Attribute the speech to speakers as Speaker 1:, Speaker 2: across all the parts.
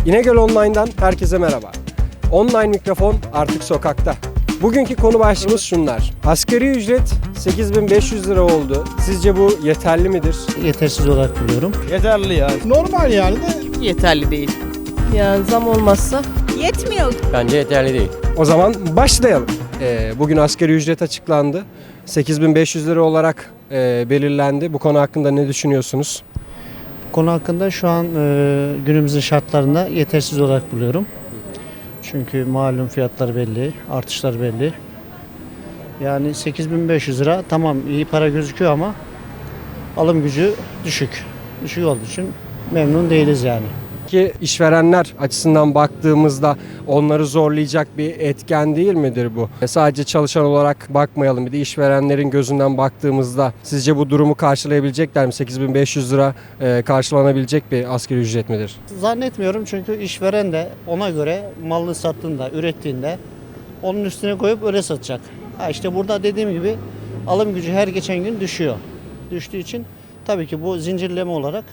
Speaker 1: İnegöl Online'dan herkese merhaba. Online mikrofon artık sokakta. Bugünkü konu başlığımız şunlar. Asgari ücret 8.500 lira oldu. Sizce bu yeterli midir?
Speaker 2: Yetersiz olarak buluyorum.
Speaker 3: Yeterli ya.
Speaker 4: Normal yani de
Speaker 5: Yeterli değil. Yani zam olmazsa
Speaker 6: Yetmiyor.
Speaker 3: Bence yeterli değil.
Speaker 1: O zaman başlayalım. Bugün asgari ücret açıklandı. 8.500 lira olarak belirlendi. Bu konu hakkında ne düşünüyorsunuz?
Speaker 2: Konu hakkında şu an günümüzün şartlarında yetersiz olarak buluyorum. Çünkü malum fiyatlar belli, artışlar belli. Yani 8.500 lira tamam iyi para gözüküyor ama alım gücü düşük. Düşük olduğu için memnun değiliz yani.
Speaker 1: Ki işverenler açısından baktığımızda onları zorlayacak bir etken değil midir bu? Sadece çalışan olarak bakmayalım, bir de işverenlerin gözünden baktığımızda sizce bu durumu karşılayabilecekler mi? 8.500 lira karşılanabilecek bir asgari ücret midir?
Speaker 2: Zannetmiyorum çünkü işveren de ona göre malını sattığında, ürettiğinde onun üstüne koyup öyle satacak. İşte burada dediğim gibi alım gücü her geçen gün düşüyor. Düştüğü için tabii ki bu zincirleme olarak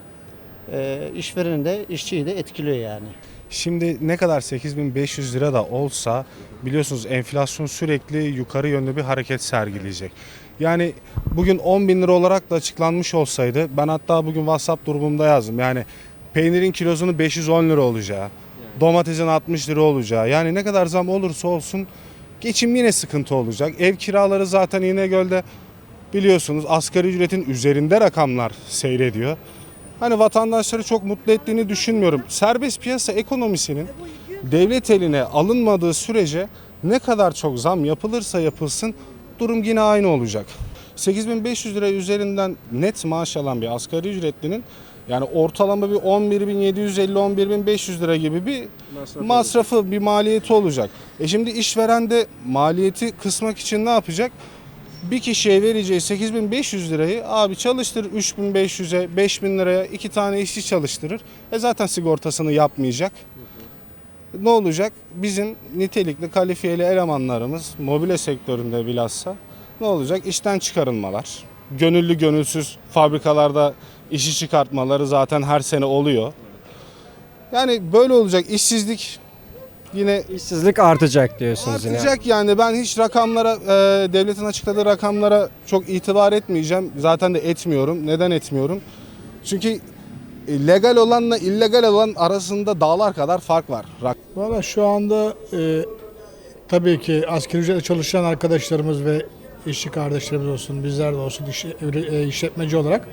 Speaker 2: işvereni de işçiyi de etkiliyor yani.
Speaker 4: şimdi ne kadar 8.500 lira da olsa biliyorsunuz enflasyon sürekli yukarı yönlü bir hareket sergileyecek. Yani bugün 10.000 lira olarak da açıklanmış olsaydı ben hatta bugün WhatsApp grubumda yazdım. Yani peynirin kilosunun 510 lira olacağı, domatesin 60 lira olacağı, yani ne kadar zam olursa olsun geçim yine sıkıntı olacak. Ev kiraları zaten İnegöl'de biliyorsunuz asgari ücretin üzerinde rakamlar seyrediyor. Hani vatandaşları çok mutlu ettiğini düşünmüyorum. Serbest piyasa ekonomisinin devlet eline alınmadığı sürece ne kadar çok zam yapılırsa yapılsın durum yine aynı olacak. 8.500 lira üzerinden net maaş alan bir asgari ücretlinin yani ortalama bir 11.750-11.500 lira gibi bir masrafı, bir maliyeti olacak. Şimdi işveren de maliyeti kısmak için ne yapacak? Bir kişiye vereceği 8.500 lirayı abi çalıştırır 3.500'e 5.000 liraya 2 tane işçi çalıştırır. Zaten sigortasını yapmayacak. Ne olacak? Bizim nitelikli kalifiyeli elemanlarımız mobilya sektöründe bilhassa ne olacak? İşten çıkarılmalar. Gönüllü gönülsüz fabrikalarda işi çıkartmaları zaten her sene oluyor. Yani böyle olacak. İşsizlik yine
Speaker 1: İşsizlik artacak diyorsunuz yine.
Speaker 4: artacak yani ben hiç rakamlara devletin açıkladığı rakamlara çok itibar etmeyeceğim. Zaten de etmiyorum. Neden etmiyorum? Çünkü legal olanla illegal olan arasında dağlar kadar fark var.
Speaker 7: Valla şu anda tabii ki asgari ücretle çalışan arkadaşlarımız ve işçi kardeşlerimiz olsun, bizler de olsun işletmeci olarak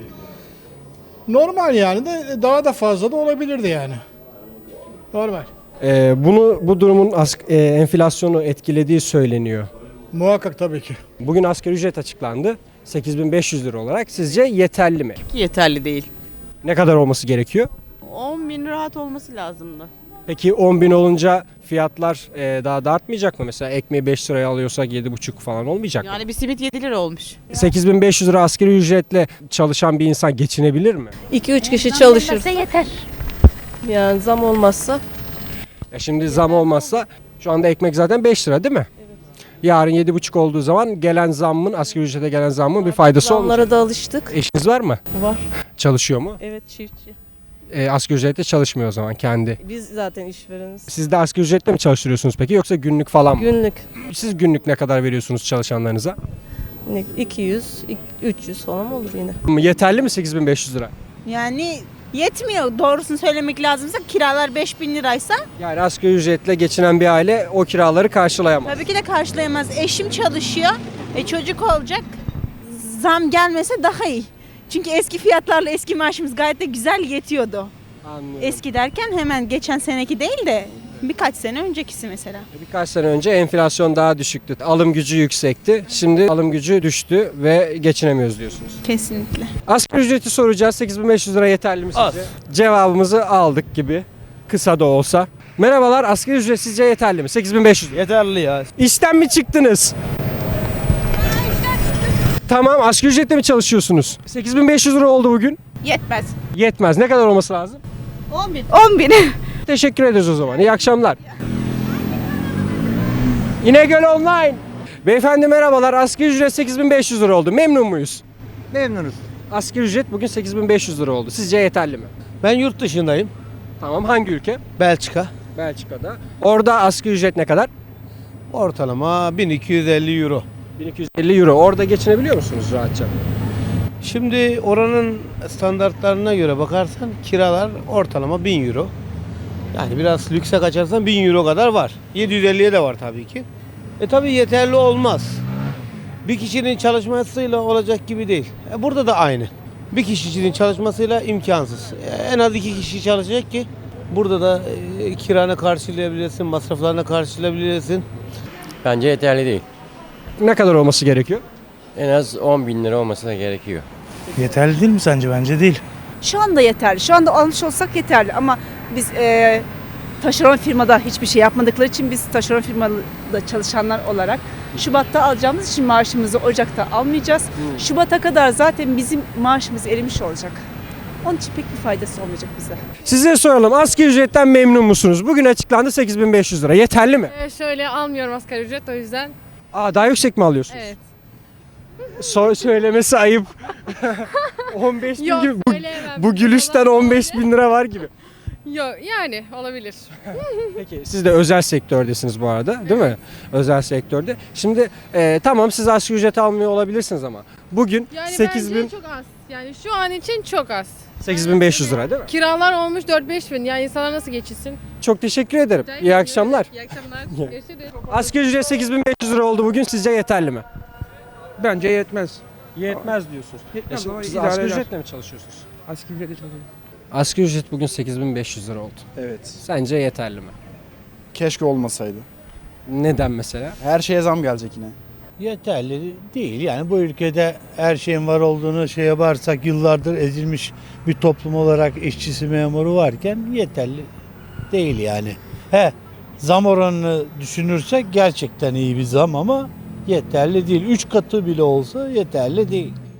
Speaker 7: normal yani de daha da fazla da olabilirdi yani. Normal.
Speaker 1: Bu durumun enflasyonu etkilediği söyleniyor.
Speaker 7: Muhakkak tabii ki.
Speaker 1: Bugün asgari ücret açıklandı. 8.500 lira olarak sizce yeterli mi?
Speaker 5: yeterli değil.
Speaker 1: Ne kadar olması gerekiyor?
Speaker 5: 10.000 rahat olması lazımdı.
Speaker 1: Peki 10.000 olunca fiyatlar daha da artmayacak mı? Mesela ekmeği 5 liraya alıyorsak 7,5 falan olmayacak mı?
Speaker 5: Yani bir simit 7 lira olmuş.
Speaker 1: 8.500 lira asgari ücretle çalışan bir insan geçinebilir mi?
Speaker 5: 2-3 kişi çalışır.
Speaker 6: Yeter.
Speaker 5: Yani zam olmazsa
Speaker 1: Şimdi zam olmazsa şu anda ekmek zaten 5 lira değil mi? Yarın 7,5 olduğu zaman gelen zammın, asgari ücrete gelen zammın bir faydası olmayacak.
Speaker 5: zamlara da alıştık.
Speaker 1: Eşiniz var mı?
Speaker 5: Var.
Speaker 1: Çalışıyor mu?
Speaker 5: Evet, çiftçi.
Speaker 1: Asgari ücretle çalışmıyor o zaman kendi.
Speaker 5: Biz zaten işvereniz.
Speaker 1: Siz de asgari ücretle mi çalıştırıyorsunuz peki yoksa günlük falan mı?
Speaker 5: Günlük
Speaker 1: Siz günlük ne kadar veriyorsunuz çalışanlarınıza?
Speaker 5: 200, 300 falan olur yine.
Speaker 1: Yeterli mi 8.500 lira?
Speaker 6: Yani yetmiyor. Doğrusunu söylemek lazımsa kiralar 5.000 liraysa
Speaker 1: Yani asgari ücretle geçinen bir aile o kiraları karşılayamaz.
Speaker 6: tabii ki de karşılayamaz. Eşim çalışıyor. Çocuk olacak. Zam gelmese daha iyi. Çünkü eski fiyatlarla eski maaşımız gayet de güzel yetiyordu.
Speaker 1: Anlıyorum.
Speaker 6: Eski derken hemen geçen seneki değil de birkaç sene öncekisi mesela.
Speaker 1: Birkaç sene önce enflasyon daha düşüktü. Alım gücü yüksekti. Şimdi alım gücü düştü ve geçinemiyoruz diyorsunuz.
Speaker 6: Kesinlikle.
Speaker 1: Asgari ücreti soracağız. 8.500 lira yeterli mi sizce?
Speaker 3: Az.
Speaker 1: Cevabımızı aldık gibi. Kısa da olsa. Merhabalar, asgari ücret sizce yeterli mi? 8.500 lira.
Speaker 3: Yeterli ya.
Speaker 1: İşten mi çıktınız? Tamam, asgari ücretle mi çalışıyorsunuz? 8.500 lira oldu bugün.
Speaker 6: Yetmez.
Speaker 1: Yetmez. Ne kadar olması lazım?
Speaker 6: 10.000.
Speaker 1: Teşekkür ederiz o zaman. İyi akşamlar. İnegöl Online. Beyefendi merhabalar. Asgari ücret 8.500 lira oldu. Memnun muyuz?
Speaker 3: Memnunuz.
Speaker 1: Asgari ücret bugün 8.500 lira oldu. Sizce yeterli mi?
Speaker 3: Ben yurt dışındayım.
Speaker 1: Tamam, hangi ülke?
Speaker 3: Belçika.
Speaker 1: Belçika'da. Orada asgari ücret ne kadar?
Speaker 3: Ortalama 1250 euro.
Speaker 1: 1250 euro. Orada geçinebiliyor musunuz rahatça?
Speaker 3: Şimdi oranın standartlarına göre bakarsan kiralar ortalama 1000 euro. Yani biraz lükse kaçarsan 1000 euro kadar var. 750'ye de var tabii ki. Tabii yeterli olmaz. Bir kişinin çalışmasıyla olacak gibi değil. Burada da aynı. Bir kişinin çalışmasıyla imkansız. En az 2 kişi çalışacak ki burada da kiranı karşılayabilirsin, masraflarını karşılayabilirsin.
Speaker 8: Bence yeterli değil.
Speaker 1: Ne kadar olması gerekiyor?
Speaker 8: En az 10 bin lira olması da gerekiyor.
Speaker 9: Yeterli değil mi sence? Bence değil.
Speaker 6: Şu anda yeterli. Şu anda almış olsak yeterli ama biz taşeron firmada hiçbir şey yapmadıkları için biz taşeron firmada çalışanlar olarak Şubat'ta alacağımız için maaşımızı Ocak'ta almayacağız. Şubat'a kadar zaten bizim maaşımız erimiş olacak. Onun için pek bir faydası olmayacak bize.
Speaker 1: Size soralım. Asgari ücretten memnun musunuz? Bugün açıklandı 8500 lira. Yeterli mi?
Speaker 10: Şöyle almıyorum asgari ücret o yüzden.
Speaker 1: Daha yüksek mi alıyorsunuz?
Speaker 10: Evet.
Speaker 1: Söylemesi ayıp. 15 bin
Speaker 10: Yok
Speaker 1: gibi.
Speaker 10: söyleyemem.
Speaker 1: Bu gülüşten 15 bin lira var gibi.
Speaker 10: Yok yani olabilir.
Speaker 1: Peki siz de özel sektördesiniz bu arada, değil mi? Özel sektörde. Şimdi tamam, siz asgari ücret almıyor olabilirsiniz ama bugün
Speaker 10: Yani
Speaker 1: 8000
Speaker 10: bence çok az. Yani şu an için çok az.
Speaker 1: 8500 lira değil mi?
Speaker 10: Kiralar olmuş 4-5 bin. Yani insanlar nasıl geçinsin?
Speaker 1: Çok teşekkür ederim. İyi akşamlar.
Speaker 10: İyi akşamlar. Görüşürüz.
Speaker 1: Asgari ücret 8500 lira oldu bugün. Sizce yeterli mi?
Speaker 9: Bence yetmez.
Speaker 1: Yetmez diyorsunuz.
Speaker 9: Yetmez ama
Speaker 1: Siz
Speaker 9: idare
Speaker 1: asgari
Speaker 9: eder.
Speaker 1: ücretle mi çalışıyorsunuz?
Speaker 9: Asgari ücretle çalışıyorum.
Speaker 1: Asgari ücret bugün 8500 lira oldu.
Speaker 11: Evet.
Speaker 1: Sence yeterli mi?
Speaker 11: Keşke olmasaydı.
Speaker 1: Neden mesela?
Speaker 11: Her şeye zam gelecek yine.
Speaker 12: Yeterli değil. Yani bu ülkede her şeyin var olduğunu şey yaparsak yıllardır ezilmiş bir toplum olarak işçisi memuru varken yeterli değil yani. Zam oranını düşünürsek gerçekten iyi bir zam ama yeterli değil. 3 katı bile olsa yeterli değil.